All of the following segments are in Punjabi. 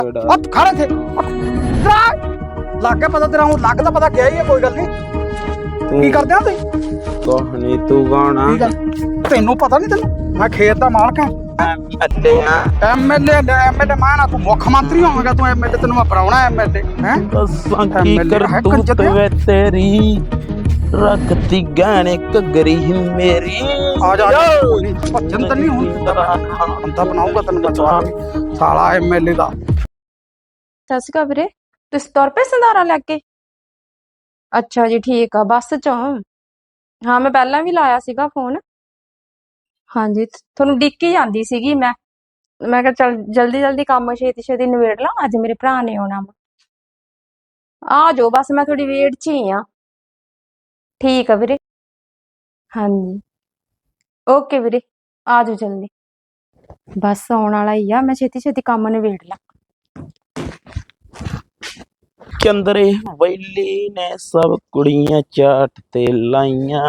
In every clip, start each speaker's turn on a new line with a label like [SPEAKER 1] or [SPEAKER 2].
[SPEAKER 1] खड़े थे लग गया पता तेरा हूं लग तो पता क्या ही है कोई गल नहीं की करदे हो तुसीं
[SPEAKER 2] नहीं तू कौन आ?
[SPEAKER 1] तेनू पता नहीं तेनू मैं खेत दा मालक हां एमएलए मैं ना तू मुख्यमंत्री होगा तू एमएलए तेनू मैं बनाउणा एमएलए हैं
[SPEAKER 2] की करतूत वे तेरी रखती गहने घगरी मेरी
[SPEAKER 1] आ जा भजन तो नहीं हुंदा बंदा बनाऊंगा तेनू मैं साला एमएलए दा
[SPEAKER 3] ਸਤਿ ਸ਼੍ਰੀ ਅਕਾਲ ਵੀਰੇ ਤੁਸੀਂ ਤੁਰ ਪਏ ਸੰਧਾਰਾ ਲੈ ਕੇ ਅੱਛਾ ਜੀ ਠੀਕ ਆ ਬੱਸ ਚੋਂ ਹਾਂ ਮੈਂ ਪਹਿਲਾਂ ਵੀ ਲਾਇਆ ਸੀਗਾ ਫੋਨ ਹਾਂਜੀ ਤੁਹਾਨੂੰ ਡਿੱਕੀ ਜਾਂਦੀ ਸੀਗੀ ਮੈਂ ਕਿਹਾ ਚੱਲ ਜਲਦੀ ਜਲਦੀ ਕੰਮ ਛੇਤੀ ਛੇਤੀ ਨਿਬੇੜ ਲਾਂ ਅੱਜ ਮੇਰੇ ਭਰਾ ਨੇ ਆਉਣਾ ਵਾ ਆ ਜਾਓ ਬਸ ਮੈਂ ਥੋੜੀ ਵੇਟ 'ਚ ਹੀ ਆ ਠੀਕ ਆ ਵੀਰੇ ਹਾਂਜੀ ਓਕੇ ਵੀਰੇ ਆ ਜਾਓ ਜਲਦੀ ਬਸ ਆਉਣ ਵਾਲਾ ਹੀ ਆ ਮੈਂ ਛੇਤੀ ਛੇਤੀ ਕੰਮ ਨਿਬੇੜ ਲਾਂ
[SPEAKER 2] चंदरे वैली ने सब कुड़ियां चाट ते लाइया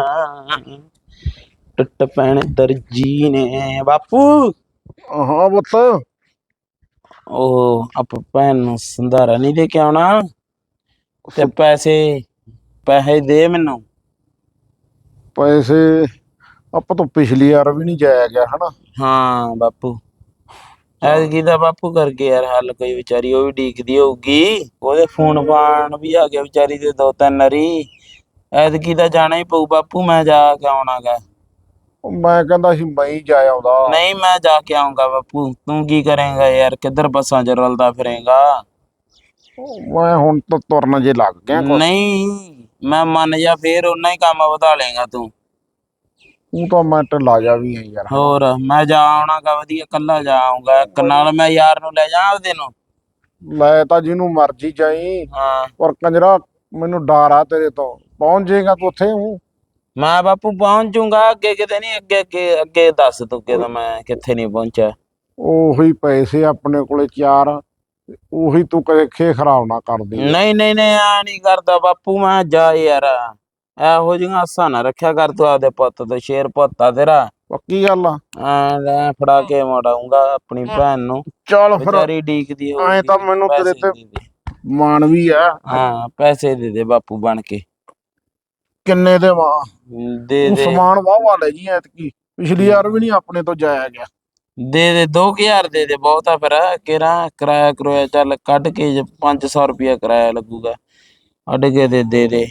[SPEAKER 2] टट पैण दर्जी ने बापू
[SPEAKER 1] हाँ पुत्त
[SPEAKER 2] ओ आप भैन नूं संधारा नहीं दे के आउणा ते पैसे पैसे दे मैनू
[SPEAKER 1] पैसे ਆਪਾਂ ਤੋਂ ਪਿਛਲੀ ਵਾਰ ਵੀ ਨਹੀਂ ਜਾਇਆ ਗਿਆ ਹਨਾ
[SPEAKER 2] हाँ बापू ਐਤਕੀ ਦਾ ਬਾਪੂ ਕਰਕੇ ਯਾਰ ਹੱਲ ਕੋਈ ਵਿਚਾਰੀ ਉਹ ਵੀ ਡੀਕਦੀ ਹੋਊਗੀ ਉਹਦੇ ਫੋਨ ਫਾਨ ਵੀ ਆ ਗਿਆ ਵਿਚਾਰੀ ਦੇ 2-3 ਵਾਰੀ ਐਤਕੀ ਦਾ ਜਾਣਾ ਹੀ ਪਊ ਬਾਪੂ ਮੈਂ ਜਾ ਕੇ ਆਉਣਾਗਾ
[SPEAKER 1] ਮੈਂ ਕਹਿੰਦਾ ਸੀ ਮੈਂ ਹੀ ਜਾ ਆਉਂਦਾ
[SPEAKER 2] ਨਹੀਂ ਮੈਂ ਜਾ ਕੇ ਆਉਂਗਾ ਬਾਪੂ ਤੂੰ ਕੀ ਕਰੇਂਗਾ ਯਾਰ ਕਿੱਧਰ ਬੱਸਾਂ 'ਚ ਰਲਦਾ ਫਿਰੇਂਗਾ
[SPEAKER 1] ਮੈਂ ਹੁਣ ਤਾਂ ਤੁਰਨ ਜੇ ਲੱਗ ਗਿਆ
[SPEAKER 2] ਨਹੀਂ ਮੈਂ ਮੰਨ ਜਾ ਫੇਰ ਉਹਨਾਂ ਹੀ ਕੰਮ ਵਧਾ ਲੇਗਾ ਤੂੰ
[SPEAKER 1] ਤੂੰ ਤਾਂ ਮੈਂ ਢਿੱਲਾ ਜਾ ਵੀ ਹੈ ਯਾਰ
[SPEAKER 2] ਹੋਰ ਮੈਂ ਜਾ ਆਉਣਾਗਾ ਵਧੀਆ ਕੱਲਾ ਜਾ ਆਉਂਗਾ ਇੱਕ ਨਾਲ ਮੈਂ ਯਾਰ ਨੂੰ ਲੈ ਜਾ ਆਪਦੇ ਨੂੰ
[SPEAKER 1] ਲੈ ਤਾਂ ਜਿਹਨੂੰ ਮਰਜੀ ਜਾਈ
[SPEAKER 2] ਹਾਂ
[SPEAKER 1] ਪਰ ਕੰਜਰਾ ਮੈਨੂੰ ਡਰ ਆ ਤੇਰੇ ਤੋਂ ਪਹੁੰਚ ਜਾਏਗਾ ਤੂੰ ਉੱਥੇ ਹੂੰ
[SPEAKER 2] ਮੈਂ ਬਾਪੂ ਪਹੁੰਚ ਜਾਊਂਗਾ ਅੱਗੇ ਕਿਤੇ ਨਹੀਂ ਅੱਗੇ ਅੱਗੇ ਅੱਗੇ ਦੱਸ ਤੂੰ ਕਿਦੋਂ ਮੈਂ ਕਿੱਥੇ ਨਹੀਂ ਪਹੁੰਚਿਆ
[SPEAKER 1] ਉਹੀ ਪੈਸੇ ਆਪਣੇ ਕੋਲੇ 4 ਉਹੀ ਤੂੰ ਕਦੇ ਖੇ ਖਰਾਬ ਨਾ ਕਰਦੀ
[SPEAKER 2] ਨਹੀਂ ਨਹੀਂ ਨਹੀਂ ਆ ਨਹੀਂ ਕਰਦਾ ਬਾਪੂ ਮੈਂ ਜਾ ਯਾਰ ਇਹੋ ਜਿਹੀਆਂ ਆਸਾਂ ਨਾ ਰੱਖਿਆ ਕਰ ਤੂੰ ਆਪਦੇ ਪੁੱਤ ਤੇ ਸ਼ੇਰ ਪੁੱਤਾ ਤੇਰਾ
[SPEAKER 1] ਪੱਕੀ ਗੱਲ ਆ
[SPEAKER 2] ਲੈ ਫੜਾ ਕੇ ਮੋੜਾਉਂਗਾ ਆਪਣੀ ਭੈਣ ਨੂੰ
[SPEAKER 1] ਚੱਲ ਫਿਰ
[SPEAKER 2] ਵਿਚਾਰੀ ਡੀਕਦੀ ਹੋ
[SPEAKER 1] ਐ ਤਾਂ ਮੈਨੂੰ ਤੇਰੇ ਤੇ ਮਾਣ ਵੀ ਆ
[SPEAKER 2] ਹਾਂ ਪੈਸੇ ਦੇ ਦੇ ਬਾਪੂ ਬਣ ਕੇ
[SPEAKER 1] ਕਿੰਨੇ ਦੇ ਵਾ
[SPEAKER 2] ਦੇ ਦੇ
[SPEAKER 1] ਸਮਾਨ ਵਾਹ ਲੈ ਜੀ ਐਤਕੀ ਪਿਛਲੀ ਵਾਰ ਵੀ ਨਹੀਂ ਆਪਣੇ ਤੋਂ ਜਾਇਆ ਗਿਆ
[SPEAKER 2] ਦੇ 2000 ਦੇ ਦੇ ਬਹੁਤਾ ਫਿਰ ਕਿਹੜਾ ਕਿਰਾਇਆ ਕਰੋਇਆ ਚੱਲ ਕੱਢ ਕੇ 500 ਰੁਪਇਆ ਕਿਰਾਇਆ ਲੱਗੂਗਾ ਅੱਡ ਕੇ ਦੇ ਦੇ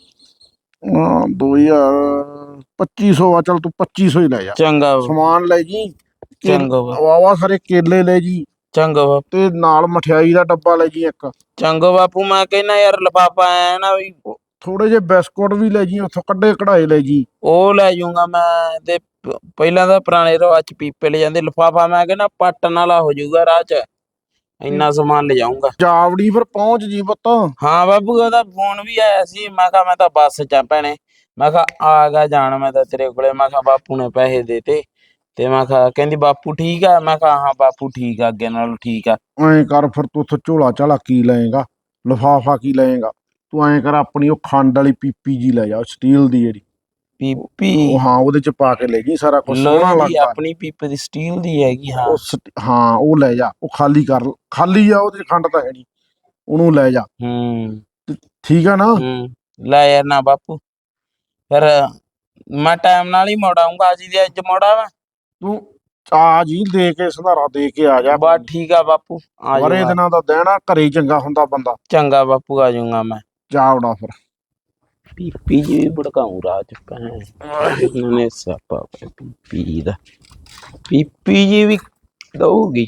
[SPEAKER 1] 2000 2500 ਆ ਚੱਲ ਤੂੰ 2500 ਹੀ ਲੈ ਜਾ
[SPEAKER 2] ਚੰਗਾ
[SPEAKER 1] ਸਮਾਨ ਲੈ ਜੀ
[SPEAKER 2] ਚੰਗਾ
[SPEAKER 1] ਵਾਵਾ ਸਾਰੇ ਕੇਲੇ ਲੈ ਜੀ
[SPEAKER 2] ਚੰਗਾ ਬਾਪੂ
[SPEAKER 1] ਤੇ ਨਾਲ ਮਠਿਆਈ ਦਾ ਡੱਬਾ ਲੈ ਜੀ ਇੱਕ
[SPEAKER 2] ਚੰਗਾ ਬਾਪੂ ਮੈਂ ਕਹਿੰਦਾ ਯਾਰ ਲਿਫਾਫਾ ਐ ਨਾ ਵੀ
[SPEAKER 1] ਥੋੜੇ ਜਿਹੇ ਬਿਸਕੁਟ ਵੀ ਲੈ ਜੀ ਉੱਥੋਂ ਕੱਢੇ ਕਢਾਏ ਲੈ ਜੀ
[SPEAKER 2] ਉਹ ਲੈ ਜਾਊਂਗਾ ਮੈਂ ਤੇ ਪਹਿਲਾਂ ਤਾਂ ਪੁਰਾਣੇ ਰਿਵਾਜ ਚ ਪੀਪੇ ਲੈ ਜਾਂਦੇ ਲਿਫਾਫਾ ਮੈਂ ਕਹਿੰਦਾ ਪੱਟਣ ਵਾਲਾ ਹੋ ਜਾਊਗਾ ਰਾਹ ਚ ਇੰਨਾ ਸਮਾਨ ਲੈ ਜਾਊਂਗਾ
[SPEAKER 1] ਜਾਵੜੀ ਫਿਰ ਪਹੁੰਚ ਜੀ ਪੁੱਤ
[SPEAKER 2] ਹਾਂ ਬਾਪੂ ਉਹਦਾ ਫੋਨ ਵੀ ਆਇਆ ਸੀ ਮੈਂ ਕਿਹਾ ਮੈਂ ਤਾਂ ਬੱਸ ਚ ਆ ਭੈਣੇ ਮੈਂ ਕਿਹਾ ਆ ਗਿਆ ਜਾਣ ਮੈਂ ਤਾਂ ਤੇਰੇ ਕੋਲੇ ਮੈਂ ਕਿਹਾ ਬਾਪੂ ਨੇ ਪੈਸੇ ਦੇਤੇ ਤੇ ਮੈਂ ਕਿਹਾ ਕਹਿੰਦੀ ਬਾਪੂ ਠੀਕ ਆ ਮੈਂ ਕਿਹਾ ਹਾਂ ਬਾਪੂ ਠੀਕ ਆ ਅੱਗੇ ਨਾਲੋਂ ਠੀਕ ਆ
[SPEAKER 1] ਐਂ ਕਰ ਫਿਰ ਤੂੰ ਉੱਥੋਂ ਝੋਲਾ ਝਾਲਾ ਕੀ ਲਏਗਾ ਲਿਫਾਫਾ ਕੀ ਲਏਗਾ ਤੂੰ ਐਂ ਕਰ ਆਪਣੀ ਉਹ ਖੰਡ ਵਾਲੀ ਪੀਪੀ ਜੀ ਲੈ ਜਾ ਸਟੀਲ ਦੀ ਜਿਹੜੀ
[SPEAKER 2] ਪੀਪੀ
[SPEAKER 1] ਉਹ ਹਾਂ ਉਹਦੇ ਚ ਪਾ ਕੇ ਲੈ ਜੀ ਸਾਰਾ ਕੁਝ ਸੋਹਣਾ ਲੱਗਦਾ
[SPEAKER 2] ਆਪਣੀ ਪੀਪੇ ਦੀ ਸਟੀਲ ਦੀ ਹੈਗੀ ਹਾਂ
[SPEAKER 1] ਹਾਂ ਉਹ ਲੈ ਜਾ ਉਹ ਖਾਲੀ ਕਰ ਖਾਲੀ ਆ ਉਹਦੇ ਚ ਖੰਡ ਤਾਂ ਹੈ ਨਹੀਂ ਉਹਨੂੰ ਲੈ ਜਾ ਠੀਕ ਆ ਨਾ
[SPEAKER 2] ਲੈ ਯਾਰ ਨਾ ਬਾਪੂ ਫਿਰ ਮੈਂ ਟਾਈਮ ਨਾਲ ਹੀ ਮੋੜ ਆਊਂਗਾ ਅੱਜ ਦੀ ਅੱਜ ਮੋੜਾ ਵਾ
[SPEAKER 1] ਤੂੰ ਆ ਜੀ ਦੇ ਕੇ ਸੰਧਾਰਾ ਦੇ ਕੇ ਆ ਜਾ
[SPEAKER 2] ਬਸ ਠੀਕ ਆ ਬਾਪੂ ਆ
[SPEAKER 1] ਬੜੇ ਦਿਨਾਂ ਦਾ ਦੇਣਾ ਘਰੇ ਚੰਗਾ ਹੁੰਦਾ ਬੰਦਾ
[SPEAKER 2] ਚੰਗਾ ਬਾਪੂ ਆ ਜਾਊਂਗਾ ਮੈਂ
[SPEAKER 1] ਜਾ ਉਡਾ ਫਿਰ
[SPEAKER 2] ਪੀਪੀ ਜੀ ਭੜਕਾਉਂ ਰਾਜ ਭੈਣ ਨੇ ਸਾਪਾ ਪੀਪੀ ਦਾ ਪੀਪੀ ਜੀ ਵੀ ਦਊਗੀ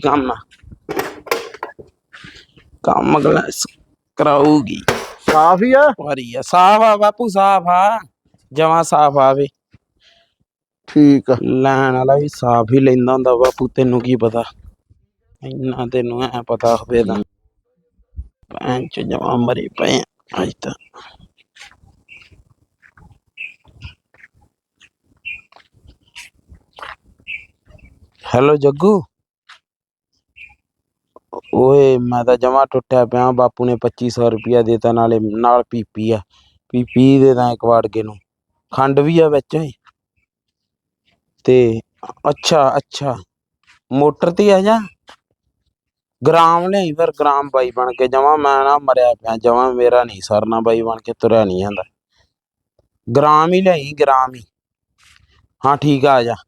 [SPEAKER 2] ਕੰਮ ਗਲਾਸ ਕਰਾਊਗੀ
[SPEAKER 1] ਸਾਫ ਹੀ ਆ
[SPEAKER 2] ਵਾਰੀ ਆ ਸਾਫ ਆ ਬਾਪੂ ਸਾਫ ਆ ਜਮਾਂ ਸਾਫ ਆਵੇ
[SPEAKER 1] ਠੀਕ ਆ
[SPEAKER 2] ਲੈਣ ਵਾਲਾ ਵੀ ਸਾਫ ਹੀ ਲੈਂਦਾ ਹੁੰਦਾ ਬਾਪੂ ਤੈਨੂੰ ਕੀ ਪਤਾ ਇੰਨਾ ਤੈਨੂੰ ਐ ਪਤਾ ਹੋਵੇ ਤਾਂ ਭੈਣ ਚ ਜਮਾਂ ਮਰੇ ਪਏ ਅੱਜ ਤਾਂ ਹੈਲੋ ਜੱਗੂ ਓਏ ਮੈਂ ਤਾਂ ਜਮਾ ਟੁੱਟਿਆ ਪਿਆ ਬਾਪੂ ਨੇ 2500 ਰੁਪਇਆ ਦੇਤਾ ਨਾਲੇ ਨਾਲ ਪੀਪੀ ਆ ਪੀਪੀ ਦੇ ਤਾਂ ਇੱਕ ਵਾੜਕੇ ਨੂੰ ਖੰਡ ਵੀ ਆ ਵਿੱਚ ਤੇ ਅੱਛਾ ਮੋਟਰ ਤੇ ਆ ਜਾ ਗ੍ਰਾਮ ਲਿਆਈ ਫਿਰ ਗ੍ਰਾਮ ਬਾਈ ਬਣ ਕੇ ਜਮਾ ਮੈਂ ਨਾ ਮਰਿਆ ਪਿਆ ਜਮਾ ਮੇਰਾ ਨਹੀਂ ਸਰਨਾ ਬਾਈ ਬਣ ਕੇ ਤੁਰਿਆ ਨਹੀਂ ਜਾਂਦਾ ਗ੍ਰਾਮ ਹੀ ਲਿਆਈ ਗ੍ਰਾਮ ਹੀ ਹਾਂ ਠੀਕ ਆ ਜਾ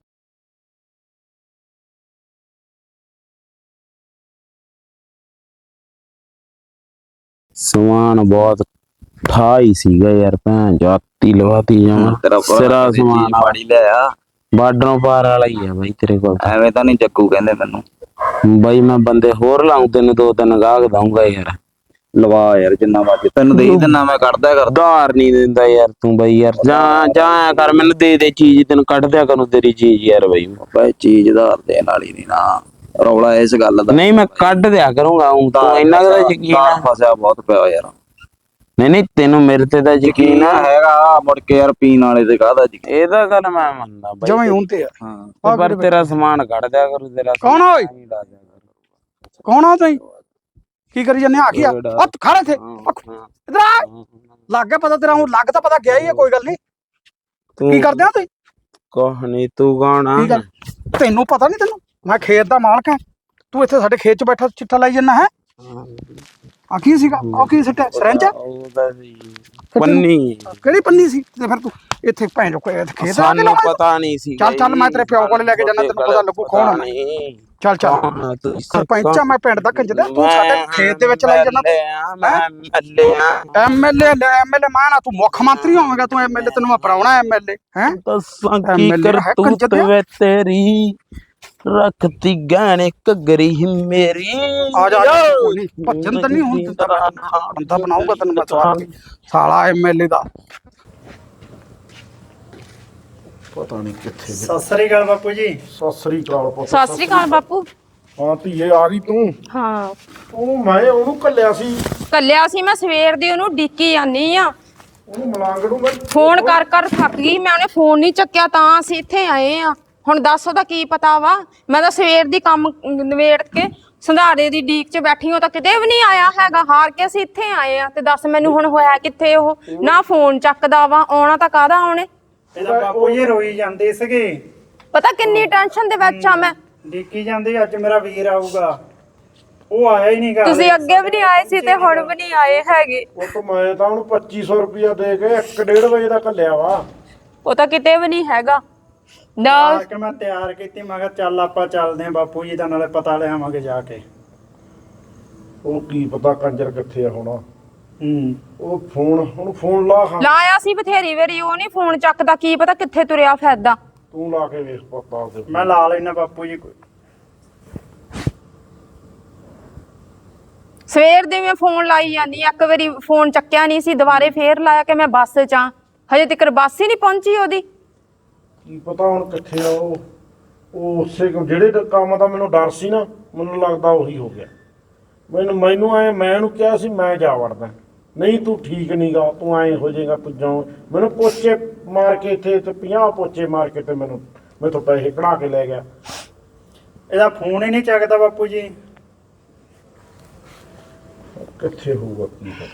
[SPEAKER 2] ਸਮਾਨ ਬਹੁਤ ਠਾਈ ਸੀਗਾ ਯਾਰ ਭੈਣ ਜਾਤੀ ਲਵਾਤੀ ਜਮਾ ਸਿਰਾ ਸਮਾਨ
[SPEAKER 4] ਮਾੜੀ ਲਿਆ
[SPEAKER 2] ਬਾਰਡਰੋਂ ਪਾਰ ਵਾਲਾ ਹੀ ਆ ਬਾਈ ਤੇਰੇ ਕੋਲ
[SPEAKER 4] ਐਵੇਂ ਤਾਂ ਨਹੀਂ ਜੱਗੂ ਕਹਿੰਦੇ ਮੈਨੂੰ
[SPEAKER 2] ਬਾਈ ਮੈਂ ਬੰਦੇ ਹੋਰ ਲਾਉਂ ਤੈਨੂੰ 2-3 ਗਾਹਕ ਦਊਂਗਾ ਯਾਰ
[SPEAKER 4] ਲਵਾ ਯਾਰ ਜਿੰਨਾ ਮਰਜ਼ੀ ਤੈਨੂੰ ਦੇ ਦਿੰਨਾ ਮੈਂ ਕੱਢਦਾ ਕਰ
[SPEAKER 2] ਉਧਾਰ ਨਹੀਂ ਦਿੰਦਾ ਯਾਰ ਤੂੰ ਬਾਈ ਯਾਰ ਜਾਂ ਕਰ ਮੈਨੂੰ ਦੇ ਚੀਜ਼ ਤੈਨੂੰ ਕੱਢ ਦਿਆ ਕਰੂੰ ਤੇਰੀ ਚੀਜ਼ ਯਾਰ ਬਾਈ
[SPEAKER 4] ਬਈ ਚੀਜ਼ ਉਧਾਰ ਦੇਣ ਵਾਲੀ ਨਹੀਂ ਨਾ ਰੌਲਾ ਇਸ ਗੱਲ ਦਾ
[SPEAKER 2] ਨਹੀਂ ਮੈਂ ਕੱਢ ਦਿਆ ਕਰੂੰਗਾ ਤੂੰ ਇੰਨਾ ਕੁ ਤਾਂ ਯਕੀਨ ਆ
[SPEAKER 4] ਫਸਿਆ ਬਹੁਤ ਪਿਆ ਯਾਰ
[SPEAKER 2] ਨਹੀਂ ਤੈਨੂੰ ਮੇਰੇ ਤੇ ਤਾਂ ਯਕੀਨ ਆ
[SPEAKER 4] ਹੈਗਾ ਮੁੜ ਕੇ ਯਾਰ ਪੀਣ ਵਾਲੇ ਤੇ ਕਾਹਦਾ ਯਕੀਨ
[SPEAKER 2] ਇਹਦਾ ਗੱਲ ਮੈਂ ਮੰਨਦਾ ਬਾਈ
[SPEAKER 5] ਜਮਾਂ ਹੀ ਹੁਣ ਤੇ ਆ
[SPEAKER 4] ਹਾਂ
[SPEAKER 2] ਪਰ ਤੇਰਾ ਸਮਾਨ ਕੱਢ ਦਿਆ ਕਰੂ ਤੇਰਾ
[SPEAKER 5] ਕੌਣ ਆ ਓਏ?
[SPEAKER 2] ਸਮਾਨ ਹੀ ਲਾ ਦਿਆ ਕਰੂ।
[SPEAKER 5] ਕੌਣ ਆ ਤੁਸੀਂ ਕੀ ਕਰੀ ਜੰਨੇ ਆ ਕੀ ਆ
[SPEAKER 2] ਜਿਹੜਾ-
[SPEAKER 5] ਉਹ ਖੜਾ ਇੱਥੇ
[SPEAKER 2] ਹਾਂ, ਹਾਂ,
[SPEAKER 5] ਇਧਰ ਆ
[SPEAKER 2] ਹਾਂ।
[SPEAKER 5] ਲੱਗ ਗਿਆ ਪਤਾ ਤੇਰਾ ਹੁਣ ਲੱਗ ਤਾਂ ਪਤਾ ਗਿਆ ਹੀ ਆ ਕੋਈ ਗੱਲ ਨਹੀਂ
[SPEAKER 2] ਤੂੰ
[SPEAKER 5] ਕੀ ਕਰਦੇ ਆ ਤੁਸੀਂ
[SPEAKER 2] ਕੁਛ ਨੀ ਤੂੰ ਕੌਣ ਆ
[SPEAKER 5] ਕੀ ਗੱਲ ਤੈਨੂੰ ਪਤਾ ਨਹੀਂ ਤੈਨੂੰ ਮੈਂ ਖੇਤ ਦਾ ਮਾਲਕ ਹਾਂ ਤੂੰ ਇੱਥੇ ਸਾਡੇ ਖੇਤ 'ਚ ਬੈਠਾ ਚਿੱਠਾ ਲਾਈ ਜੰਨਾ ਹੈ ਆ ਕੀ ਸੀਗਾ ਉਹ ਕੀ ਸਿੱਟਿਆ ਸਰੰਜ
[SPEAKER 2] ਉਹਦਾ ਸੀ ਪੰਨੀ
[SPEAKER 5] ਕਿਹੜੀ ਪੰਨੀ ਸੀ ਤੇ ਫਿਰ ਤੂੰ ਇੱਥੇ ਭੈਣ ਜੋ ਖੇਤ ਆ ਕੇ
[SPEAKER 2] ਸਾਨੂੰ
[SPEAKER 5] ਲਾਇਆ
[SPEAKER 2] ਪਤਾ ਨਹੀਂ ਸੀ
[SPEAKER 5] ਚੱਲ ਮੈਂ ਤੇਰੇ ਪਿਓ ਕੋਲ ਲੈ ਕੇ ਜਾਣਾ ਤੈਨੂੰ ਪਤਾ ਲੱਗੂ ਕੌਣ ਆ ਮੈਂ
[SPEAKER 2] ਨਹੀਂ
[SPEAKER 5] ਚੱਲ ਸਰਪੰਚ ਆ ਮੈਂ ਪਿੰਡ ਦਾ ਕੰਜਰ ਤੂੰ ਸਾਡੇ ਖੇਤ ਦੇ ਵਿੱਚ ਲਾਈ ਜੰਨਾ ਐਮਐਲਏ ਮਾਨਾ ਤੂੰ ਮੁੱਖ ਮੰਤਰੀ ਹੋਵੇਂਗਾ ਤੂੰ ਐਮਐਲਏ ਤੈਨੂੰ ਮੈਂ ਪਰਾਉਣਾ ਐਮਐਲਏ ਹੈ
[SPEAKER 2] ਦੱਸਾਂ ਕੀ
[SPEAKER 5] MLA ਹੈ
[SPEAKER 2] ਕਰਤੂਤ
[SPEAKER 5] ਕੰਜਰ ਦੇ।
[SPEAKER 2] ਵੇ ਤੇਰੀ ਰੱਖਤੀ ਗਾਣੇ ਘਗਰੀ ਹੀ ਮੇਰੀ
[SPEAKER 5] ਆ ਜਾ ਭੱਜਣ ਤਾਂ ਨਹੀਂ ਹੁਣ ਬੰਦਾ ਬਣਾਊਗਾ ਤੈਨੂੰ ਮੈਂ ਸਵਾਰ ਕੇ ਸਾਲਾ ਐਮਐਲਏ ਦਾ
[SPEAKER 1] ਪਤਾ ਨਹੀਂ ਕਿੱਥੇ
[SPEAKER 6] ਸਤਿ ਸ੍ਰੀ ਅਕਾਲ ਬਾਪੂ ਜੀ।
[SPEAKER 1] ਸਤਿ ਸ੍ਰੀ ਅਕਾਲ ਪੁੱਤ
[SPEAKER 3] ਸਤਿ ਸ੍ਰੀ ਅਕਾਲ ਬਾਪੂ
[SPEAKER 1] ਹਾਂ ਧੀਏ ਆ ਗਈ ਤੂੰ
[SPEAKER 3] ਹਾਂ
[SPEAKER 1] ਉਹਨੂੰ ਕੱਲਿਆ ਸੀ
[SPEAKER 3] ਕੱਲਿਆ ਸੀ ਮੈਂ ਸਵੇਰ ਦੀ ਉਹਨੂੰ ਡੀਕੀ ਜਾਨੀ ਆ
[SPEAKER 1] ਉਹਨੂੰ ਮਲਾਂਗ ਨੂੰ ਮੈਂ
[SPEAKER 3] ਫੋਨ ਕਰ ਥੱਕ ਗਈ ਮੈਂ ਉਹਨੇ ਫੋਨ ਨਹੀਂ ਚੱਕਿਆ ਤਾਂ ਅਸੀਂ ਇੱਥੇ ਆਏ ਆ ਹੁਣ ਦੱਸ ਉਹਦਾ ਕੀ ਪਤਾ ਵਾ ਮੈਂ ਤਾਂ ਸਵੇਰ ਦੀ ਕੰਮ ਨਵੇੜ ਕੇ ਸੰਧਾਰੇ ਦੀ ਡੀਕ 'ਚ ਬੈਠੀ ਹਾਂ ਤਾਂ ਕਿਤੇ ਵੀ ਨਹੀਂ ਆਇਆ ਹੈਗਾ ਹਾਰ ਕੇ ਅਸੀਂ ਇੱਥੇ ਆਏ ਆ ਤੇ ਦੱਸ ਮੈਨੂੰ ਹੁਣ ਹੋਇਆ ਕਿੱਥੇ ਉਹ ਨਾ ਫੋਨ ਚੱਕਦਾ ਵਾ ਆਉਣਾ ਤਾਂ ਕਾਹਦਾ ਆਉਣੇ
[SPEAKER 6] ਇਹਦਾ ਬਾਪੂ ਜੀ ਰੋਈ ਜਾਂਦੇ ਸੀਗੇ
[SPEAKER 3] ਪਤਾ ਕਿੰਨੀ ਟੈਨਸ਼ਨ ਦੇ ਵਿੱਚ ਆ ਮੈਂ
[SPEAKER 6] ਡਿੱਕੀ ਜਾਂਦੇ ਅੱਜ ਮੇਰਾ ਵੀਰ ਆਊਗਾ ਉਹ ਆਇਆ ਹੀ ਨਹੀਂ ਘਰ
[SPEAKER 3] ਤੁਸੀਂ ਅੱਗੇ ਵੀ ਨਹੀਂ ਆਏ ਸੀ ਤੇ ਹੁਣ ਵੀ ਨਹੀਂ ਆਏ ਹੈਗੇ
[SPEAKER 1] ਉਹ ਤੋਂ ਮੈਂ ਤਾਂ ਉਹਨੂੰ 2500 ਰੁਪਇਆ ਦੇ ਕੇ 1:30 ਵਜੇ ਦਾ ਕੱਲਿਆ ਵਾ
[SPEAKER 3] ਉਹ ਤਾਂ ਕਿਤੇ ਵੀ ਨਹੀਂ ਹੈਗਾ ਨਾ
[SPEAKER 6] ਆ ਕੇ ਮੈਂ ਤਿਆਰ ਕੀਤੀ ਮੈਂ ਕਿਹਾ ਚੱਲ ਆਪਾਂ ਚੱਲਦੇ ਆਂ ਬਾਪੂ ਜੀ ਦਾ ਨਾਲੇ ਪਤਾ ਲਿਆਵਾਂਗੇ ਜਾ ਕੇ
[SPEAKER 1] ਉਹ ਕੀ ਪਤਾ ਕੰਜਰ ਕਿੱਥੇ ਆ ਹੁਣ ਉਹ ਉਹਨੂੰ ਫੋਨ ਲਾ ਹਾਂ
[SPEAKER 3] ਲਾਇਆ ਸੀ ਬਥੇਰੀ ਵਾਰੀ ਉਹ ਨਹੀਂ ਫੋਨ ਚੱਕਦਾ ਕੀ ਪਤਾ ਕਿੱਥੇ ਤੁਰਿਆ ਫਿਰਦਾ
[SPEAKER 1] ਤੂੰ ਲਾ ਕੇ ਵੇਖ ਪਤਾ ਉਹਦੇ
[SPEAKER 6] ਮੈਂ ਲਾ ਲੈਣਾ ਬਾਪੂ ਜੀ ਕੋਈ
[SPEAKER 3] ਸਵੇਰ ਦੇ ਮੈਂ ਫੋਨ ਲਾਈ ਜਾਂਦੀ ਇੱਕ ਵਾਰੀ ਫੋਨ ਚੱਕਿਆ ਨਹੀਂ ਸੀ ਦੁਬਾਰੇ ਫੇਰ ਲਾਇਆ ਕਿ ਮੈਂ ਬੱਸ 'ਚ ਆ ਹਜੇ ਤੱਕ ਬੱਸ ਹੀ ਨਹੀਂ ਪਹੁੰਚੀ ਉਹਦੀ
[SPEAKER 1] ਕੀ ਪਤਾ ਹੁਣ ਕਿੱਥੇ ਆ ਉਹ ਉਸੇ ਜਿਹੜੇ ਕੰਮ ਦਾ ਮੈਨੂੰ ਡਰ ਸੀ ਨਾ ਮੈਨੂੰ ਲੱਗਦਾ ਉਹੀ ਹੋ ਗਿਆ ਮੈਨੂੰ ਮੈਂ ਉਹਨੂੰ ਕਿਹਾ ਸੀ ਮੈਂ ਜਾ ਵੜਦਾ ਨਹੀਂ ਤੂੰ ਠੀਕ ਨਹੀਂਗਾ ਤੂੰ ਐਂ ਹੋ ਜਾਏਗਾ ਤੂੰ ਜਾਉ ਮੈਨੂੰ ਪੋਚੇ ਮਾਰ ਕੇ ਇੱਥੇ ਤੇ 50 ਪੋਚੇ ਮਾਰ ਕੇ ਤੇ ਮੈਥੋਂ ਪੈਸੇ ਕਢਾ ਕੇ ਲੈ ਗਿਆ
[SPEAKER 6] ਇਹਦਾ ਫੋਨ ਹੀ ਨਹੀਂ ਚੱਕਦਾ ਬਾਪੂ ਜੀ
[SPEAKER 1] ਕਿੱਥੇ ਹੋਊਗਾ ਕੀ ਪਤਾ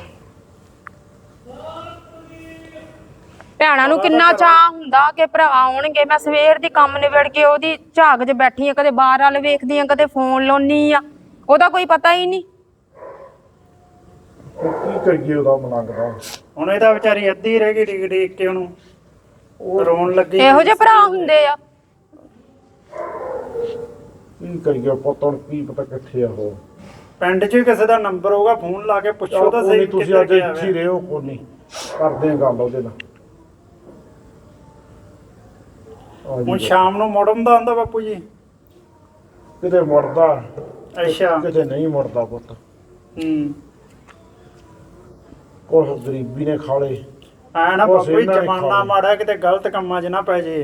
[SPEAKER 3] ਭੈਣਾਂ ਨੂੰ ਕਿੰਨਾ ਚਾਹ ਹੁੰਦਾ ਕਿ ਭਰਾ ਆਉਣਗੇ ਮੈਂ ਸਵੇਰ ਦੀ ਕੰਮ ਨਿਬੜ ਕੇ ਉਹਦੀ ਝਾਕ 'ਚ ਬੈਠੀ ਆ ਕਦੇ ਬਾਹਰ ਵੱਲ ਵੇਖਦੀ ਆ ਕਦੇ ਫੋਨ ਲਾਉਣੀ ਆ ਉਹਦਾ ਕੋਈ ਪਤਾ ਹੀ ਨਹੀਂ
[SPEAKER 1] ਕੀ ਕਰੀਏ ਉਹਦਾ ਮਲੰਗਦਾ
[SPEAKER 6] ਹੁਣ ਇਹਦਾ ਵਿਚਾਰੀ ਅੱਧੀ ਰਹਿ ਗਈ ਡੀਕ ਕੇ ਉਹਨੂੰ ਉਹ ਰੋਣ ਲੱਗੀ
[SPEAKER 3] ਇਹੋ ਜਿਹੇ ਭਰਾ ਹੁੰਦੇ ਆ
[SPEAKER 1] ਕੀ ਕਰੀਏ ਪੁੱਤ ਹੁਣ ਕੀ ਪਤਾ ਕਿੱਥੇ ਆ ਉਹ
[SPEAKER 6] ਪਿੰਡ 'ਚ ਕਿਸੇ ਦਾ ਨੰਬਰ ਹੋਊਗਾ ਫੋਨ ਲਾ ਕੇ ਪੁੱਛੋ ਤਾਂ
[SPEAKER 1] ਕੋਈ
[SPEAKER 6] ਸਹੀ
[SPEAKER 1] ਨੀ, ਤੁਸੀਂ
[SPEAKER 6] ਕਿੱਥੇ
[SPEAKER 1] ਅੱਜ
[SPEAKER 6] ਗਿਆ
[SPEAKER 1] ਇੱਥੇ ਹੀ ਰਹੋ ਕੋਈ ਨਹੀਂ ਕਰਦੇ ਆ ਗੱਲ ਉਹਦੇ ਨਾਲ ਆ
[SPEAKER 6] ਹੁਣ
[SPEAKER 1] ਜੀ
[SPEAKER 6] ਸ਼ਾਮ ਨੂੰ ਮੁੜਨ ਦਾ ਆਂਦਾ ਬਾਪੂ ਜੀ
[SPEAKER 1] ਕਿਤੇ ਮੁੜਦਾ
[SPEAKER 6] ਅੱਛਾ
[SPEAKER 1] ਕਿਤੇ ਨਹੀਂ ਮੁੜਦਾ ਪੁੱਤ ਕੁਛ ਗਰੀਬੀ ਨੇ ਖਾ ਲਏ
[SPEAKER 6] ਐ ਨਾ
[SPEAKER 1] ਉਹ
[SPEAKER 6] ਬਾਪੂ ਜੀ
[SPEAKER 1] ਇਹਨਾਂ ਨੇ
[SPEAKER 6] ਜਮਾਨਾ
[SPEAKER 1] ਖਾ ਲਏ।
[SPEAKER 6] ਮਾੜਾ ਕਿਤੇ ਗਲਤ ਕੰਮਾਂ 'ਚ ਨਾ ਪੈ ਜੇ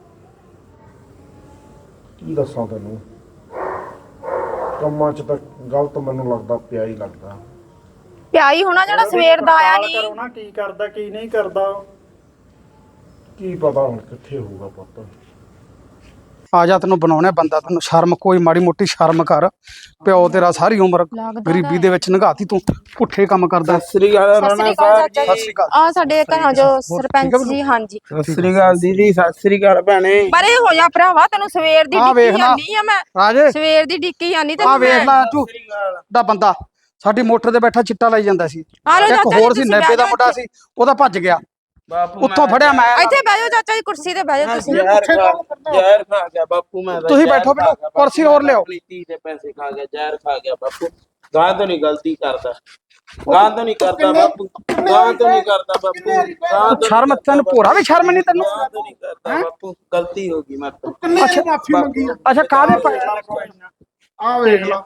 [SPEAKER 1] ਕੀ ਦੱਸਾਂ ਤੈਨੂੰ ਕੰਮਾਂ 'ਚ ਤਾਂ ਗਲਤ ਮੈਨੂੰ ਲੱਗਦਾ ਪਿਆ ਹੀ ਲੱਗਦਾ
[SPEAKER 3] ਪਿਆਈ ਹੋਣਾ ਜਿਹੜਾ ਸਵੇਰ ਦਾ ਆਇਆ
[SPEAKER 6] ਪੜਤਾਲ ਕਰੋ
[SPEAKER 3] ਨਹੀਂ
[SPEAKER 6] ਨਾ ਕੀ ਕਰਦਾ ਕੀ ਨਹੀਂ ਕਰਦਾ ਉਹ।
[SPEAKER 1] ਕੀ ਪਤਾ ਹੁਣ ਕਿੱਥੇ ਹੋਊਗਾ ਪੁੱਤ
[SPEAKER 5] ਆ ਜਾ ਤੈਨੂੰ ਬਣਾਉਣਾ ਬੰਦਾ, ਤੈਨੂੰ ਸ਼ਰਮ ਕੋਈ ਮਾੜੀ ਮੋਟੀ ਸ਼ਰਮ ਕਰ। ਪਿਓ ਤੇਰਾ ਸਾਰੀ ਉਮਰ ਗਰੀਬੀ ਦੇ ਵਿੱਚ ਲੰਘਾਤੀ, ਤੂੰ ਪੁੱਠੇ ਕੰਮ ਕਰਦਾ।
[SPEAKER 2] ਸਤਿ ਸ੍ਰੀ ਅਕਾਲ ਰਾਣਾ ਸਾਹਿਬ ਜੀ।
[SPEAKER 5] ਸਤਿ ਸ਼੍ਰੀ ਅਕਾਲ।
[SPEAKER 3] ਆ ਸਾਡੇ ਘਰਾਂ ਜੋ ਸਰਪੰਚ ਜੀ। ਹਾਂਜੀ
[SPEAKER 2] ਸਤਿ ਸ੍ਰੀ ਅਕਾਲ ਦੀਦੀ। ਸਤਿ ਸ੍ਰੀ ਅਕਾਲ ਭੈਣੇ।
[SPEAKER 3] ਪਰੇ ਹੋ ਜਾ ਭਰਾਵਾ, ਤੈਨੂੰ ਸਵੇਰ ਦੀ
[SPEAKER 5] ਆ
[SPEAKER 3] ਡਿੱਕੀ
[SPEAKER 5] ਵੇਖ ਲਾ
[SPEAKER 3] ਜਾਂਦੀ ਆ ਮੈਂ,
[SPEAKER 5] ਰਾਜੇ,
[SPEAKER 3] ਸਵੇਰ ਦੀ ਡਿੱਕੀ ਜਾਂਦੀ
[SPEAKER 5] ਆ
[SPEAKER 3] ਤੈਨੂੰ
[SPEAKER 5] ਵੇਖ
[SPEAKER 3] ਮੈਂ।
[SPEAKER 5] ਲੈ ਤੂੰ ਦਾ ਬੰਦਾ ਸਾਡੀ ਮੋਟਰ ਤੇ ਬੈਠਾ ਚਿੱਟਾ ਲਾਈ ਜਾਂਦਾ ਸੀ।
[SPEAKER 3] ਆ ਲਓ
[SPEAKER 5] ਇੱਕ
[SPEAKER 3] ਚਾਚਾ
[SPEAKER 5] ਹੋਰ
[SPEAKER 3] ਜੀ,
[SPEAKER 5] ਸੀ
[SPEAKER 3] ਤੁਸੀਂ
[SPEAKER 5] 90 ਦਾ
[SPEAKER 3] ਬਹਿ
[SPEAKER 5] ਮੁੰਡਾ ਸੀ, ਉਹਦਾ ਭੱਜ ਗਿਆ,
[SPEAKER 2] ਬਾਪੂ
[SPEAKER 5] ਉੱਥੋਂ ਫੜਿਆ ਮੈਂ।
[SPEAKER 3] ਇੱਥੇ ਬਹਿ ਜਾਓ ਚਾਚਾ ਜੀ, ਕੁਰਸੀ ਤੇ ਬਹਿ ਜਾਓ ਤੁਸੀਂ।
[SPEAKER 2] ਜ਼ਹਿਰ ਖਾ ਗਿਆ ਬਾਪੂ ਮੈਂ ਤਾਂ।
[SPEAKER 5] ਤੁਸੀਂ ਬੈਠੋ ਬੈਠੋ, ਕੁਰਸੀ ਹੋਰ ਲਿਆਓ।
[SPEAKER 2] ਆਪਣੀ ਧੀ ਦੇ ਪੈਸੇ ਖਾ ਗਿਆ, ਜ਼ਹਿਰ ਖਾ ਗਿਆ ਬਾਪੂ। ਗਾਂ ਤੋਂ ਨਹੀਂ ਗਲਤੀ ਕਰਦਾ, ਗਾਂ ਤੋਂ ਨਹੀਂ ਕਰਦਾ ਬਾਪੂ, ਗਾਂ ਤੋਂ ਨਹੀਂ ਕਰਦਾ ਬਾਪੂ, ਗਾਂ ਤੋਂ
[SPEAKER 5] ਸ਼ਰਮ ਤੈਨੂੰ ਭੋਰਾ ਵੀ ਸ਼ਰਮ ਨਹੀਂ ਤੈਨੂੰ?
[SPEAKER 2] ਗਾਂ ਤੋਂ ਨਹੀਂ ਕਰਦਾ ਬਾਪੂ, ਗਲਤੀ ਹੋ ਗਈ ਮੇਰੇ ਤੋਂ।
[SPEAKER 5] ਅੱਛਾ ਮਾਫੀ ਮੰਗੀ। ਅੱਛਾ ਕਾਹਦੇ ਪੈਸੇ?
[SPEAKER 1] ਆ ਵੇਖ ਲਾ,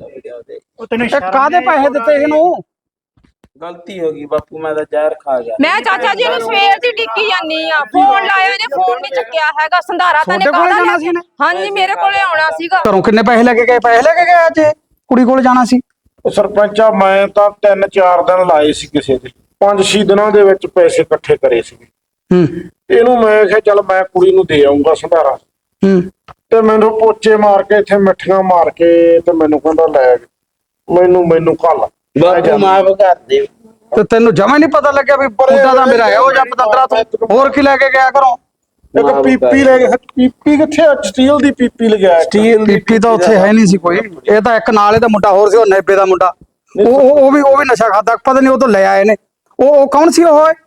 [SPEAKER 6] ਉਹ ਤੈਨੂੰ
[SPEAKER 5] ਇਹ ਕਾਹਦੇ ਪੈਸੇ ਦਿੱਤੇ ਇਹਨੂੰ?
[SPEAKER 2] ਗਲਤੀ ਹੋ ਗਈ ਬਾਪੂ, ਮੈਂ ਤਾਂ ਜ਼ਹਿਰ ਖਾ ਗਿਆ।
[SPEAKER 3] ਮੈਂ ਚਾਚਾ ਜੀ ਨੂੰ ਸਵੇਰ ਦੀ ਡਿੱਕੀ ਜਾਂਦੀ ਆ, ਫੋਨ ਲਾਇਆ ਇਹਨੇ, ਫੋਨ ਨਹੀਂ ਚੱਕਿਆ ਹੈਗਾ। ਸੰਧਾਰਾ ਤਾਂ ਨੇ
[SPEAKER 5] ਤੁਹਾਡੇ ਕੋਲੇ
[SPEAKER 3] ਕਾਹਦਾ
[SPEAKER 5] ਜਾਣਾ ਸੀ ਇਹਨੇ?
[SPEAKER 3] ਹਾਂਜੀ ਮੇਰੇ ਕੋਲੇ ਆਉਣਾ ਸੀਗਾ।
[SPEAKER 5] ਘਰੋਂ ਕਿੰਨੇ ਪੈਸੇ ਲੈ ਕੇ ਗਏ? ਪੈਸੇ ਲੈ ਕੇ ਗਏ ਅੱਜ ਇਹ? ਕੁੜੀ ਕੋਲ ਜਾਣਾ ਸੀ।
[SPEAKER 1] ਉਹ ਸਰਪੰਚਾ ਮੈਂ ਤਾਂ 3-4 ਦਿਨ ਲਾਏ ਸੀ ਕਿਸੇ ਦੇ, 5-6 ਦਿਨਾਂ ਦੇ ਵਿੱਚ ਪੈਸੇ ਇਕੱਠੇ ਕਰੇ ਸੀ। ਇਹਨੂੰ ਮੈਂ ਕਿਹਾ ਚੱਲ ਮੈਂ ਕੁੜੀ ਨੂੰ ਦੇ ਆਉਂਗਾ ਸੰਧਾਰਾ, ਤੇ ਮੈਨੂੰ ਪੋਚੇ ਮਾਰ ਕੇ ਇੱਥੇ ਮਿੱਠੀਆਂ ਮਾਰ ਕੇ ਤੇ ਮੈਨੂੰ ਕਹਿੰਦਾ ਲੈ ਮੈਨੂੰ ਘੱਲ
[SPEAKER 2] ਬਾਪੂ ਮਾਫ ਕਰ ਦੇ।
[SPEAKER 5] ਤੇ ਤੈਨੂੰ ਜਮਾ ਨਹੀਂ ਪਤਾ ਲੱਗਿਆ ਵੀ ਬੁੱਢਾ ਦਾ ਮੇਰਾ ਹੈ ਉਹ ਜਾਂ ਪਤੰਦਰਾ ਤੂੰ ਹੋਰ ਕੀ ਲੈ ਕੇ ਗਿਆ ਘਰੋਂ?
[SPEAKER 1] ਇੱਕ ਪੀਪੀ ਲੈ ਗਿਆ। ਪੀਪੀ ਕਿੱਥੇ? ਸਟੀਲ ਦੀ ਪੀਪੀ ਲਗਾਇਆ।
[SPEAKER 5] ਸਟੀਲ ਪੀਪੀ ਤਾਂ ਉੱਥੇ ਹੈ ਨਹੀਂ ਸੀ ਕੋਈ। ਇਹ ਤਾਂ ਇੱਕ ਨਾਲੇ ਦਾ ਮੁੰਡਾ ਹੋਰ ਸੀ, ਉਹ 90 ਦਾ ਮੁੰਡਾ, ਉਹ ਵੀ ਨਸ਼ਾ ਖਾਦਾ, ਪਤਾ ਨਹੀਂ ਉਹ ਤੋਂ ਲੈ ਆਏ ਨੇ। ਉਹ ਕੌਣ ਸੀ?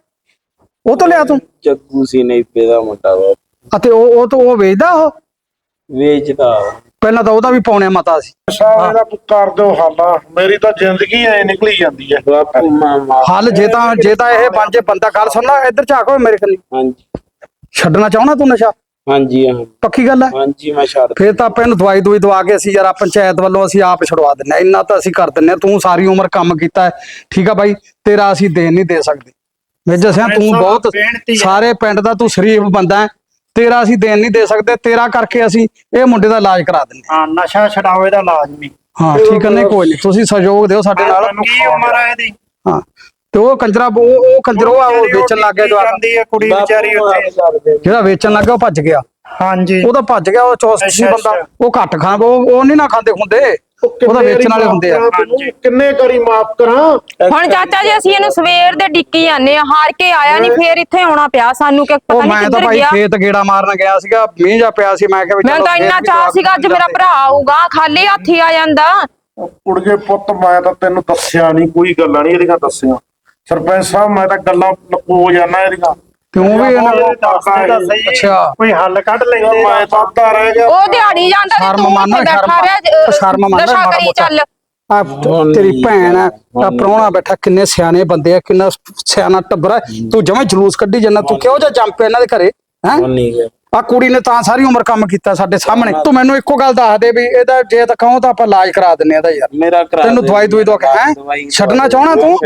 [SPEAKER 5] ਉਹ ਤੋਂ ਲਿਆ ਤੂੰ?
[SPEAKER 2] ਜੱਗੂ ਸੀ ਨਹੀਂ ਦਾ ਮੁੰਡਾ ਬਾਪੂ।
[SPEAKER 5] ਅਤੇ ਉਹ ਵੇਚਦਾ? ਉਹ
[SPEAKER 2] ਵੇਚਦਾ।
[SPEAKER 5] ਪਹਿਲਾਂ ਤਾਂ ਉਹਦਾ ਵੀ ਪੌਣਿਆ ਮਤਾ ਸੀ।
[SPEAKER 1] ਸਾਲੇ ਦਾ ਕਰ ਦਿਓ ਹੱਲ, ਮੇਰੀ ਤਾਂ ਜ਼ਿੰਦਗੀ ਐ ਨਿਕਲੀ ਜਾਂਦੀ ਹੈ
[SPEAKER 2] ਬਾਪੂ ਮਾਮਾ
[SPEAKER 5] ਹੱਲ ਜੇ ਤਾਂ ਇਹ ਬਣ ਜੇ ਬੰਦਾ। ਗੱਲ ਸੁਣ ਲੈ, ਇੱਧਰ ਝਾਕ ਓਏ ਮੇਰੇ ਕੰਨੀ।
[SPEAKER 2] ਹਾਂਜੀ
[SPEAKER 5] ਛੱਡਣਾ ਚਾਹੁੰਦਾ ਤੂੰ ਨਸ਼ਾ?
[SPEAKER 2] ਹਾਂਜੀ ਹਾਂ
[SPEAKER 5] ਪੱਕੀ ਗੱਲ ਹੈ?
[SPEAKER 2] ਹਾਂਜੀ ਮੈਂ ਛੱਡ।
[SPEAKER 5] ਫੇਰ ਤਾਂ ਆਪਾਂ ਇਹਨੂੰ ਦਵਾਈ ਦਵਾ ਕੇ ਅਸੀਂ ਯਾਰ ਪੰਚਾਇਤ ਵੱਲੋਂ ਅਸੀਂ ਆਪ ਛੁਡਵਾ ਦਿੰਨੇ ਆ। ਇੰਨਾ ਤਾਂ ਅਸੀਂ ਕਰ ਦਿੰਨੇ ਆ। ਤੂੰ ਸਾਰੀ ਉਮਰ ਕੰਮ ਕੀਤਾ ਹੈ, ਠੀਕ ਆ ਬਾਈ, ਤੇਰਾ ਅਸੀਂ ਦੇਣ ਨਹੀਂ ਦੇ ਸਕਦੇ। ਮੇਜਰ ਸਿੰਘ ਤੂੰ ਬਹੁਤ ਸਾਰੇ ਪਿੰਡ ਦਾ ਤੂੰ ਸ਼ਰੀਫ ਬੰਦਾ ਹੈ, ਤੇਰਾ ਅਸੀਂ ਦੇਣ ਨਹੀਂ ਦੇ ਸਕਦੇ। ਤੇਰਾ ਕਰਕੇ ਅਸੀਂ ਇਹ ਮੁੰਡੇ ਦਾ ਇਲਾਜ ਕਰਾ ਦਿੰਨੇ
[SPEAKER 6] ਹਾਂ, ਨਸ਼ਾ ਛਡਾਓ ਇਹਦਾ ਲਾਜ਼ਮੀ।
[SPEAKER 5] ਹਾਂ ਠੀਕ ਹੈ, ਨਹੀਂ ਕੋਈ ਨਹੀਂ, ਤੁਸੀਂ ਸਹਿਯੋਗ ਦਿਓ ਸਾਡੇ ਨਾਲ।
[SPEAKER 6] ਕੀ ਉਮਰ ਆ ਇਹਦੀ?
[SPEAKER 5] ਹਾਂ ਤੇ ਉਹ ਕੰਜਰਾ ਉਹ ਕੰਜਰ ਉਹ ਵੇਚਣ ਲੱਗ ਗਿਆ ਜਵਾਕ,
[SPEAKER 6] ਜਾਂਦੀ ਹੈ ਕੁੜੀ ਵਿਚਾਰੀ ਉੱਥੇ,
[SPEAKER 5] ਜਿਹੜਾ ਵੇਚਣ ਲੱਗਾ ਉਹ ਭੱਜ ਗਿਆ।
[SPEAKER 6] ਹਾਂਜੀ
[SPEAKER 5] ਉਹ ਤਾਂ ਭੱਜ ਗਿਆ, ਉਹ ਚੌਸਟ ਸੀ ਬੰਦਾ, ਉਹ ਘੱਟ ਖਾਂ ਉਹ ਨਹੀਂ ਨਾ ਖਾਂਦੇ ਹੁੰਦੇ, ਉਹ ਤਾਂ ਵੇਚਣ ਵਾਲੇ ਹੁੰਦੇ ਆ।
[SPEAKER 1] ਕਿੰਨੇ ਕਰੀ ਮਾਫ ਕਰਾਂ?
[SPEAKER 3] ਹੁਣ ਚਾਚਾ ਜੀ ਅਸੀਂ ਇਹਨੂੰ ਸਵੇਰ ਦੇ ਡਿੱਕੀ ਜਾਂਦੇ ਆ, ਹਾਰ ਕੇ ਆਇਆ ਨਹੀਂ, ਫੇਰ ਇੱਥੇ ਆਉਣਾ ਪਿਆ ਸਾਨੂੰ, ਕਿ ਪਤਾ ਨਹੀਂ
[SPEAKER 5] ਮੈਂ ਤਾਂ
[SPEAKER 3] ਕਿੱਧਰ
[SPEAKER 5] ਭਾਈ
[SPEAKER 3] ਗਿਆ।
[SPEAKER 5] ਖੇਤ ਗੇੜਾ ਮਾਰਨ ਗਿਆ ਸੀਗਾ, ਮੀਂਹ ਜਾ ਪਿਆ ਸੀ, ਮੈਂ ਕਿਹਾ ਵੀ
[SPEAKER 3] ਮੈਂ ਤਾਂ ਇੰਨਾ ਚਾਹ ਸੀਗਾ ਅੱਜ ਮੇਰਾ ਭਰਾ ਆਊਗਾ, ਖਾਲੀ ਹੱਥ ਹੀ ਆ ਜਾਂਦਾ।
[SPEAKER 1] ਕੁੜਗੇ ਪੁੱਤ ਮੈਂ ਤਾਂ ਤੈਨੂੰ ਦੱਸਿਆ ਨਹੀਂ, ਕੋਈ ਗੱਲਾਂ ਨਹੀਂ ਇਹਦੀਆਂ ਦੱਸੀਆਂ। ਸਰਪੰਚ ਸਾਹਿਬ ਮੈਂ ਤਾਂ ਗੱਲਾਂ ਲੁਕੋ ਜਾਣਾ ਇਹਦੀਆਂ।
[SPEAKER 5] ਕਿਉਂ ਵੀ ਇਹਨਾਂ ਨੂੰ
[SPEAKER 6] ਦੱਸਦੇ ਤਾਂ ਸਹੀ,
[SPEAKER 5] ਅੱਛਾ
[SPEAKER 6] ਕੋਈ ਹੱਲ ਕੱਢ ਲੈਂਦੇ।
[SPEAKER 1] ਮੈਂ ਤਾਂ ਅੱਧਾ ਰਹਿ ਗਿਆ।
[SPEAKER 3] ਉਹ ਦਿਹਾੜੀ ਜਾਂਦਾ ਤੇ
[SPEAKER 5] ਸ਼ਰਮ
[SPEAKER 3] ਤੂੰ
[SPEAKER 5] ਮੰਨ,
[SPEAKER 3] ਇੱਥੇ ਬੈਠਾ ਰਿਹਾ,
[SPEAKER 5] ਸ਼ਰਮ ਮੰਨ
[SPEAKER 3] ਨਸ਼ਾ
[SPEAKER 5] ਮਾੜਾ
[SPEAKER 3] ਕਰੀ
[SPEAKER 5] ਮੋਟਾ।
[SPEAKER 3] ਚੱਲ।
[SPEAKER 5] ਆ ਤੇਰੀ ਭੈਣ ਆ ਪ੍ਰਾਹੁਣਾ ਬੈਠਾ, ਕਿੰਨੇ ਸਿਆਣੇ ਬੰਦੇ ਆ, ਕਿੰਨਾ ਸਿਆਣਾ ਟੱਬਰ ਆ, ਤੂੰ ਜਮਾਂ ਜਲੂਸ ਕੱਢੀ ਜਾਂਦਾ। ਤੂੰ ਕਿਹੋ ਜਿਹਾ ਜੰਮ ਪਿਆ ਇਹਨਾਂ ਦੇ ਘਰੇ ਹੈ? ਆ ਕੁੜੀ ਨੇ ਤਾਂ ਸਾਰੀ ਉਮਰ ਕੰਮ ਕੀਤਾ ਸਾਡੇ ਸਾਹਮਣੇ। ਤੂੰ ਮੈਨੂੰ ਇੱਕੋ ਗੱਲ ਦੱਸ ਦੇ ਵੀ ਇਹਦਾ ਜੇ ਤਾਂ ਕਹੋ ਤਾਂ ਆਪਾਂ ਇਲਾਜ ਕਰਾ ਦਿੰਨੇ ਆ ਇਹਦਾ ਯਾਰ।
[SPEAKER 2] ਮੇਰਾ
[SPEAKER 5] ਤੈਨੂੰ ਦਵਾਈ ਦਵਾ ਕੇ ਹੈ ਛੱਡਣਾ ਚਾਹਣਾ ਤੂੰ?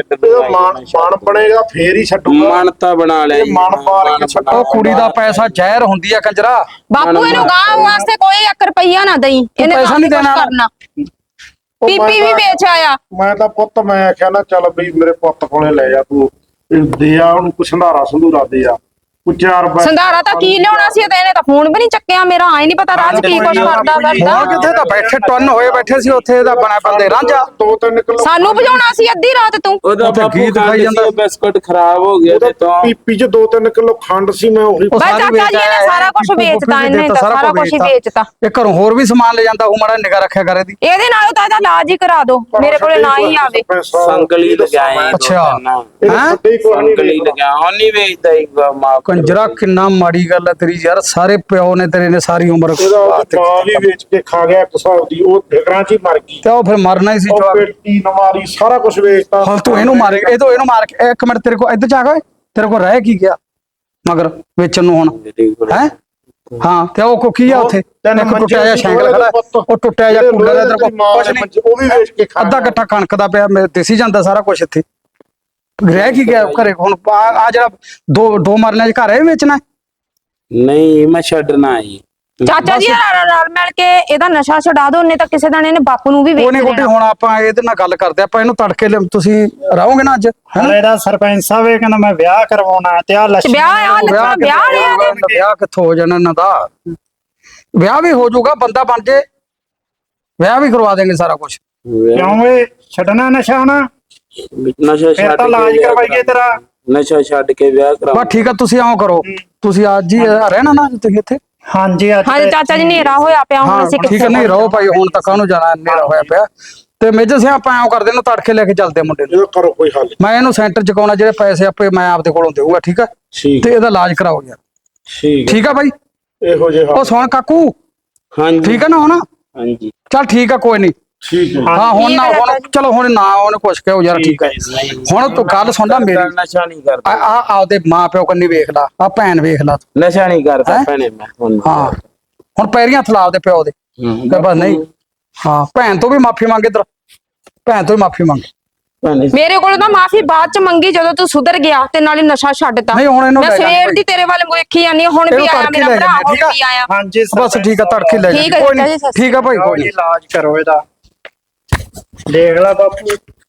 [SPEAKER 1] ਮਨ ਬਣੇਗਾ ਫੇਰ ਹੀ ਛੱਡੂਗਾ।
[SPEAKER 2] ਮਨ ਤਾਂ ਬਣਾ ਲਿਆ ਜੀ,
[SPEAKER 1] ਮਨ ਪਾਰ ਕੇ ਛੱਡੋ।
[SPEAKER 5] ਉਹ ਕੁੜੀ ਦਾ ਪੈਸਾ ਜ਼ਹਿਰ ਹੁੰਦੀ ਆ ਕੰਜਰਾ।
[SPEAKER 3] ਬਾਪੂ ਇਹਨੂੰ ਗਾਂ ਵਾਸਤੇ ਕੋਈ 1 ਰੁਪਈਆ ਨਾ ਦਈ, ਇਹਨੇ
[SPEAKER 5] ਪੈਸਾ ਨਹੀਂ ਦੇਣਾ।
[SPEAKER 3] ਕਰਨਾ। ਪੀਪੀ ਵੀ ਵੇਚ ਆਇਆ।
[SPEAKER 1] ਮੈਂ ਤਾਂ ਪੁੱਤ ਮੈਂ ਆਖਿਆ ਨਾ ਚੱਲ ਬਈ ਮੇਰੇ ਪੁੱਤ ਕੋਲੇ ਲੈ ਜਾ ਤੂੰ, ਦੇ ਆ ਉਹਨੂੰ ਕੁਛ ਸੰਧਾਰਾ ਦੇ ਆ, ਕੋਈ 4
[SPEAKER 3] ਸੰਧਾਰਾ ਤਾਂ ਕੀ ਲਿਆਉਣਾ ਸੀ ਤੇ ਇਹਨੇ ਤਾਂ ਫੋਨ ਵੀ ਨਹੀਂ ਚੱਕਿਆ ਮੇਰਾ। ਆਏ ਨਹੀਂ ਪਤਾ ਰਾਜ ਕੀ ਕੁਛ ਕਰਦਾ ਫਿਰਦਾ।
[SPEAKER 5] ਹੋਰ ਕਿੱਥੇ ਤਾਂ ਬੈਠੇ ਟੁੰਨ ਹੋਏ ਬੈਠੇ ਸੀ ਉੱਥੇ, ਇਹਦਾ ਬਣਾ ਬੰਦੇ ਰਾਂਝਾ।
[SPEAKER 1] 2-3 ਕਿਲੋ
[SPEAKER 3] ਸਾਨੂੰ ਵਜਾਉਣਾ ਸੀ ਅੱਧੀ ਰਾਤ ਤੂੰ।
[SPEAKER 2] ਉਹਦਾ
[SPEAKER 5] ਉੱਥੇ
[SPEAKER 2] ਬਾਪੂ
[SPEAKER 5] ਗੀਤ ਗਾਈ ਜਾਂਦਾ।
[SPEAKER 2] ਬਿਸਕੁਟ ਖਰਾਬ ਹੋ ਗਿਆ ਤੇ ਤਾਂ
[SPEAKER 1] ਪੀਪੀ ਚ 2-3 ਕਿਲੋ ਖੰਡ ਸੀ, ਮੈਂ ਉਹੀ
[SPEAKER 3] ਬਈ ਚਾਚਾ ਜੀ ਇਹਨੇ ਸਾਰਾ ਕੁਝ ਵੇਚਤਾ, ਇਹਨੇ ਤਾਂ ਸਾਰਾ ਕੁਝ ਹੀ ਵੇਚਤਾ।
[SPEAKER 5] ਇਹ ਘਰੋਂ ਹੋਰ ਵੀ ਸਮਾਨ ਲੈ ਜਾਂਦਾ, ਉਹ ਮਾੜਾ ਨਿਗਾ ਰੱਖਿਆ ਕਰੇ ਦੀ।
[SPEAKER 3] ਇਹਦੇ ਨਾਲੋਂ ਤਾਂ ਇਹਦਾ ਇਲਾਜ ਹੀ ਕਰਾ ਦੋ, ਮੇਰੇ ਕੋਲੇ ਨਾ ਹੀ ਆਵੇ।
[SPEAKER 2] ਸੰਗਲੀ ਲਗਾਏ।
[SPEAKER 5] ਅੱਛਾ
[SPEAKER 1] ਹੈਂ?
[SPEAKER 2] ਸੰਗਲੀ ਲਗਾ ਹੁਣ ਨਹੀਂ ਵੇਚਦਾ ਹੀ ਮਾਫ।
[SPEAKER 5] ਕੰਜਰਾ ਕਿੰਨਾ ਮਾੜੀ ਗੱਲ ਹੈ ਤੇਰੀ ਯਾਰ। ਸਾਰੇ ਪਿਓ ਨੇ ਤੇਰੇ ਨੇ ਸਾਰੀ ਉਮਰ
[SPEAKER 1] ਮਾਂ ਵੀ ਵੇਚ ਕੇ ਖਾ ਗਿਆ 1 ਸਾਲ ਦੀ, ਉਹ ਫਿਕਰਾਂ ਚ ਹੀ ਮਰ ਗਈ।
[SPEAKER 5] ਤੇ ਉਹ ਫਿਰ ਮਰਨਾ ਹੀ ਸੀ
[SPEAKER 1] ਉਹ
[SPEAKER 5] ਜਵਾਬ।
[SPEAKER 1] ਪੇਟੀ ਨਮਾਰੀ ਸਾਰਾ ਕੁਝ ਵੇਚਤਾ।
[SPEAKER 5] ਹਾਂ ਤੂੰ ਇਹਨੂੰ ਮਾਰੇ, ਇਹਨੂੰ ਮਾਰ ਕੇ ਇੱਕ ਮਿੰਟ ਤੇਰੇ ਕੋਲ ਇੱਧਰ ਜਾ ਕੇ ਤੇਰੇ ਕੋਲ ਰਹਿ ਕੀ ਗਿਆ ਮਗਰ ਵੇਚਣ ਨੂੰ ਹੁਣ ਹੈ? ਹਾਂ ਤੇ ਉਹ ਕੋ ਕੀ ਆ ਉੱਥੇ? ਇੱਕ ਟੁੱਟਿਆ ਜਿਹਾ ਸਾਈਕਲ ਖੜਾ, ਉਹ ਟੁੱਟਿਆ ਜਿਹਾ ਕੂਲਰ ਹੈ ਤੇਰੇ ਕੋਲ, ਕੁਛ ਨਹੀਂ,
[SPEAKER 1] ਉਹ ਵੀ ਵੇਚ ਕੇ ਖਾ
[SPEAKER 5] ਅੱਧਾ ਗੱਠਾ ਕਣਕ ਦਾ ਪਿਆ, ਦੇਸੀ ਜਾਂਦਾ ਸਾਰਾ ਕੁਝ ਇੱਥੇ। ਰਹਿ ਕੀ ਗਿਆ ਘਰੇ ਹੁਣ? ਆ ਜਿਹੜਾ ਦੋ ਮਰਲਿਆਂ ਚ ਘਰ ਹੈ ਵੇਚਣਾ?
[SPEAKER 2] ਨਹੀਂ ਮੈਂ ਛੱਡਣਾ ਜੀ।
[SPEAKER 3] ਚਾਚਾ ਜੀ ਰਲ ਮਿਲ ਕੇ ਇਹਦਾ ਨਸ਼ਾ ਛਡਾ ਦੋ, ਉਹਨੇ ਤਾਂ ਕਿਸੇ ਦਿਨ ਇਹਨੇ ਬਾਪੂ ਨੂੰ ਵੀ ਵੇਚ
[SPEAKER 5] ਉਹਨੇ ਗੋਡੀ। ਹੁਣ ਆਪਾਂ ਇਹਦੇ ਨਾਲ ਗੱਲ ਕਰਦੇ, ਆਪਾਂ ਇਹਨੂੰ ਤੜਕੇ ਤੁਸੀਂ ਰਹੋਗੇ ਨਾ ਅੱਜ?
[SPEAKER 6] ਹਲੇ ਦਾ ਸਰਪੰਚ ਸਾਹਿਬ ਇਹ ਕਹਿੰਦਾ ਮੈਂ ਵਿਆਹ ਕਰਵਾਉਣਾ ਤੇ ਆ ਲੱਛ
[SPEAKER 3] ਵਿਆਹ ਆ ਲੱਗਾ, ਵਿਆਹ ਲਿਆ
[SPEAKER 5] ਵਿਆਹ ਕਿੱਥੋਂ ਹੋ ਜਾਣਾ ਇਹਨਾਂ ਦਾ? ਵਿਆਹ ਵੀ ਹੋ ਜਾਊਗਾ, ਬੰਦਾ ਬਣ ਜੇ, ਵਿਆਹ ਵੀ ਕਰਵਾ ਦੇਂਗੇ ਸਾਰਾ ਕੁਝ।
[SPEAKER 6] ਕਿਉਂ ਏ ਛੱਡਣਾ ਨਸ਼ਾ ਨਾ?
[SPEAKER 2] ਨਸ਼ਾ
[SPEAKER 6] ਫਿਰ
[SPEAKER 2] ਛੱਡ
[SPEAKER 6] ਤਾਂ
[SPEAKER 2] ਕੇ
[SPEAKER 6] ਇਲਾਜ
[SPEAKER 2] ਵਿਆਹ
[SPEAKER 6] ਕਰਵਾਈਏ ਤੇਰਾ।
[SPEAKER 2] ਨਸ਼ਾ ਛੱਡ ਕੇ ਵਿਆਹ ਕਰਾ।
[SPEAKER 5] ਬਸ ਠੀਕ ਆ, ਤੁਸੀਂ ਆਓ ਕਰੋ, ਤੁਸੀਂ ਅੱਜ ਹੀ ਰਹਿਣਾ ਨਾ ਤੁਸੀਂ ਇੱਥੇ?
[SPEAKER 6] ਹਾਂਜੀ ਅੱਜ
[SPEAKER 3] ਹਾਂਜੀ ਚਾਚਾ ਜੀ, ਹਨੇਰਾ ਹੋਇਆ ਪਿਆ, ਹੁਣ
[SPEAKER 5] ਹਾਂ
[SPEAKER 3] ਅਸੀਂ
[SPEAKER 5] ਠੀਕ ਹੈ, ਨਹੀਂ ਰਹੋ ਭਾਈ, ਹੁਣ ਤੱਕ ਕਾਹਨੂੰ ਜਾਣਾ, ਹਨੇਰਾ ਹੋਇਆ ਪਿਆ। ਤੇ ਮੇਜਰ ਸਿੰਘ ਆਪਾਂ ਐਂ ਕਰਦੇ ਨਾ, ਤੜਕੇ ਲੈ ਕੇ ਚੱਲਦੇ ਆ ਮੁੰਡੇ ਨੂੰ।
[SPEAKER 1] ਇਹ ਕਰੋ ਕੋਈ ਹੱਲ।
[SPEAKER 5] ਮੈਂ ਇਹਨੂੰ ਸੈਂਟਰ ਚ ਕਾਉਣਾ, ਜਿਹੜੇ ਪੈਸੇ ਆਪੇ ਮੈਂ ਆਪਦੇ ਕੋਲੋਂ ਦੇਊਗਾ, ਠੀਕ ਆ?
[SPEAKER 1] ਠੀਕ
[SPEAKER 5] ਤੇ ਇਹਦਾ ਇਲਾਜ ਕਰਾਓ ਯਾਰ।
[SPEAKER 1] ਠੀਕ
[SPEAKER 5] ਠੀਕ ਆ ਬਾਈ?
[SPEAKER 1] ਇਹੋ ਜਿਹੇ
[SPEAKER 5] ਉਹ ਸੁਣ ਕਾਕੂ,
[SPEAKER 2] ਹਾਂਜੀ
[SPEAKER 5] ਠੀਕ ਆ ਨਾ ਹੁਣ?
[SPEAKER 2] ਹਾਂਜੀ
[SPEAKER 5] ਚੱਲ ਠੀਕ ਆ, ਕੋਈ ਨਹੀਂ।
[SPEAKER 1] ਠੀਕ ਹੈ
[SPEAKER 5] ਹਾਂ ਹੁਣ ਨਾ,
[SPEAKER 3] ਠੀਕ ਆ
[SPEAKER 5] ਹੁਣ
[SPEAKER 3] ਚਾਚਾ
[SPEAKER 5] ਚਲੋ, ਹੁਣ ਨਾ ਉਹਨੇ ਕੁਛ ਕਹੋ ਯਾਰ, ਠੀਕ ਹੈ। ਹੁਣ ਤੂੰ ਗੱਲ ਸੁਣ ਲੈ ਮੇਰੀ,
[SPEAKER 2] ਨਸ਼ਾ ਨਹੀਂ ਕਰਦਾ,
[SPEAKER 5] ਆਪਦੇ ਮਾਂ ਪਿਓ ਕੰਨੀ ਵੇਖ ਲਾ, ਆ ਭੈਣ ਵੇਖ ਲਾ।
[SPEAKER 2] ਨਸ਼ਾ ਨਹੀਂ ਕਰਦਾ
[SPEAKER 5] ਹੈਂ?
[SPEAKER 2] ਭੈਣੇ ਮੈਂ ਹੁਣ।
[SPEAKER 5] ਹਾਂ ਹੁਣ ਪੈਰੀਆਂ ਹੱਥ ਲਾ ਆਪਦੇ ਪਿਓ ਦੇ, ਕਿ ਬਸ ਨਹੀਂ। ਹਾਂ ਭੈਣ ਤੋਂ ਵੀ ਮਾਫੀ ਮੰਗ, ਇੱਧਰ ਭੈਣ ਤੋਂ ਵੀ ਮਾਫੀ ਮੰਗ।
[SPEAKER 2] ਭੈਣੇ
[SPEAKER 3] ਮੇਰੇ ਕੋਲੋਂ ਤਾਂ ਮਾਫੀ ਬਾਅਦ ਚ ਮੰਗੀ, ਜਦੋਂ ਤੂੰ ਸੁਧਰ ਗਿਆ ਤੇ ਨਾਲੇ ਨਸ਼ਾ ਛੱਡਤਾ।
[SPEAKER 5] ਨਹੀਂ ਹੁਣ ਇਹਨੂੰ
[SPEAKER 3] ਮੈਂ
[SPEAKER 5] ਲੈ ਜਾਂਦੇ
[SPEAKER 3] ਸਵੇਰ
[SPEAKER 5] ਭਾਈ।
[SPEAKER 3] ਦੀ ਤੇਰੇ ਵੱਲ ਵੇਖੀ ਜਾਂਦੀ ਹਾਂ, ਹੁਣ ਵੀ
[SPEAKER 5] ਇਹਨੂੰ
[SPEAKER 3] ਆਇਆ
[SPEAKER 5] ਤੜਕੇ
[SPEAKER 3] ਮੇਰਾ
[SPEAKER 5] ਲੈ
[SPEAKER 3] ਭਰਾ,
[SPEAKER 5] ਜਾਂਦੇ,
[SPEAKER 3] ਹੁਣ
[SPEAKER 5] ਠੀਕ ਆ?
[SPEAKER 3] ਵੀ ਆਇਆ।
[SPEAKER 6] ਹਾਂਜੀ
[SPEAKER 5] ਬਸ ਠੀਕ ਆ, ਤੜਕੇ ਲੈ
[SPEAKER 3] ਠੀਕ
[SPEAKER 5] ਜਾ,
[SPEAKER 3] ਹੈ
[SPEAKER 5] ਕੋਈ
[SPEAKER 3] ਚਾਚਾ
[SPEAKER 5] ਨਹੀਂ,
[SPEAKER 3] ਜੀ, ਸਤਿ
[SPEAKER 5] ਠੀਕ ਆ ਭਾਈ, ਕੋਈ
[SPEAKER 6] ਕੋਈ
[SPEAKER 5] ਨਹੀਂ।
[SPEAKER 6] ਇਲਾਜ ਕਰੋ ਇਹਦਾ। ਦੇਖ ਲੈ ਬਾਪੂ